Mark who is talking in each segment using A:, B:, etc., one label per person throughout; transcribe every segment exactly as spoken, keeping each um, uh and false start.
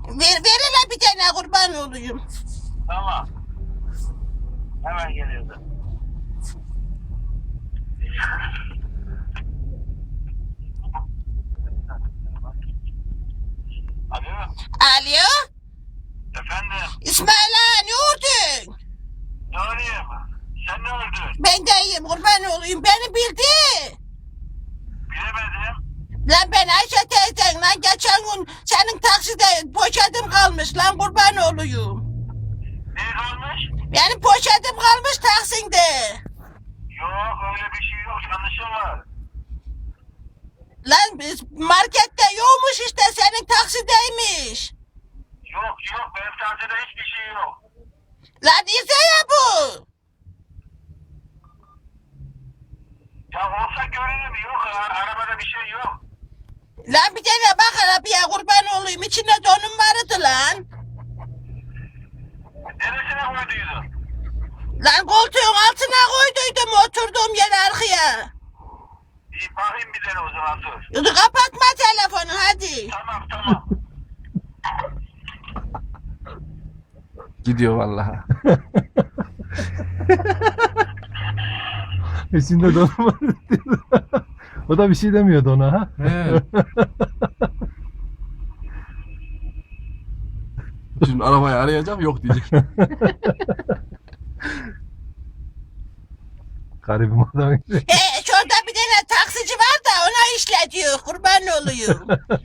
A: Ver, ver hele bir tane kurban olayım.
B: Tamam. Hemen geliyordu. Alo.
A: Alo.
B: Efendim.
A: İsmail ağa ne oldun?
B: Ne olayım? Sen ne oldun?
A: Ben de iyiyim kurban olayım. Beni bildi.
B: Bilemedim.
A: Lan ben Ayşe teyzen lan geçen gün senin takside poşetim kalmış lan kurban olayım.
B: Ne kalmış?
A: Benim poşetim kalmış Taksim'de.
B: Yok öyle bir şey yok. Yanlışım var.
A: Lan biz markette yokmuş işte senin taksideymiş.
B: Yok yok. Benim tarzda hiçbir şey yok.
A: Lan ise ya bu.
B: Ya olsa görürüm. Yok. a- Arabada bir şey yok.
A: Lan bir tane bak arabaya kurban olayım. İçinde donum vardı lan.
B: Neresine koyduydun?
A: Lan koltuğun altına koyduydum oturduğum yere arkaya.
B: İyi bakayım bir tane o zaman dur.
A: Dur kapatma telefonu hadi.
B: Tamam tamam.
C: Gidiyor vallahi.
D: İçinde donum var diyor. O da bir şey demiyordu ona ha.
C: He. Şimdi arabayı arayacağım yok diyecek.
D: Garibim adam.
A: E şurada bir tane taksici var da ona işletiyor kurban olayım.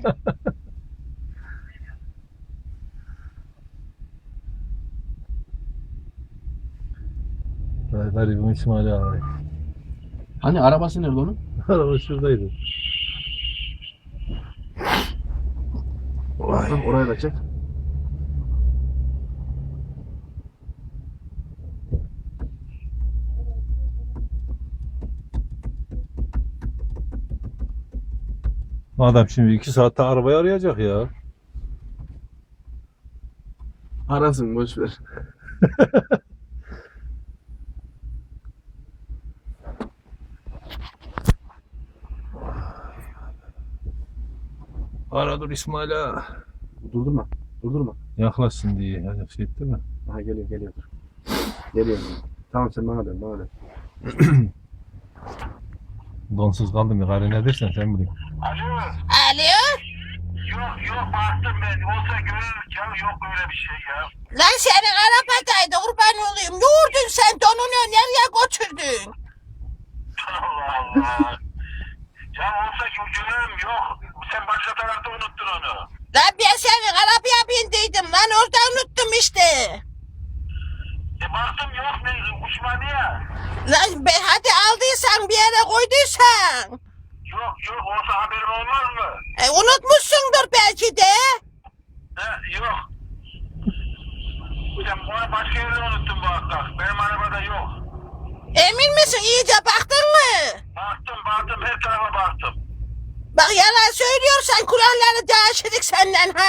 D: Garibim İsmail abi.
C: Hani arabası nerede onun?
D: Araba şuradaydı.
C: Oraya, oraya da çek.
D: Adam şimdi iki saatte arabayı arayacak ya.
C: Arasın boş ver.
D: Ara dur İsmail ağa.
C: Durdurma. Durdurma.
D: Yaklaşsın diye. Yani şey etti mi?
C: Aha geliyor geliyor. Geliyor. Tamam sen bana dön bana dön.
D: Donsuz kaldım ya. Gari ne dersen sen bilin.
B: Alo.
A: Alo.
B: Yok yok baktım ben. Olsa görürüm ya. Yok öyle bir şey ya.
A: Lan senin arabadaydı kurban olayım. Ne vurdun sen donunu nereye götürdün?
B: Allah Allah. Ya olsa görürüm yok. Sen başka tarafta unuttun onu.
A: Lan ben senin arabaya bindiydim lan orada unuttum işte.
B: E baktım yok ne uçmadı ya.
A: Lan be, hadi aldıysan bir yere koyduysan.
B: Yok yok olsa haberim olmaz mı?
A: E, unutmuşsundur belki de.
B: He yok. Sen onu başka yerde unuttun bu hafta. Benim arabada yok.
A: Emin misin iyice baktın mı?
B: Baktım baktım her tarafa baktım.
A: Bak yalan söylüyorsan kulakları değiştirdik senden ha.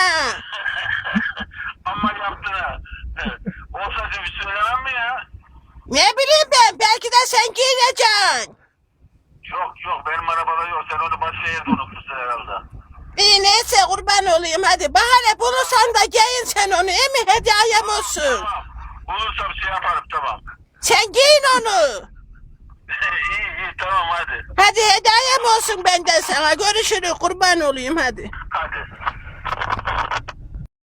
B: Ama yaptın ha. Olsa bir söylemem mi ya?
A: Ne bileyim ben belki de sen giyeceksin.
B: Yok yok benim arabada yok. Sen onu başka yerde unutmuşsun herhalde.
A: İyi neyse kurban olayım hadi. Bahane bulursan da giyin sen onu iyi mi hediyem olsun.
B: Tamam. Bulursam şey yaparım tamam.
A: Sen giyin onu.
B: iyi iyi tamam hadi.
A: Hadi hediyem olsun benden sana. Görüşürüz kurban olayım hadi.
B: Hadi.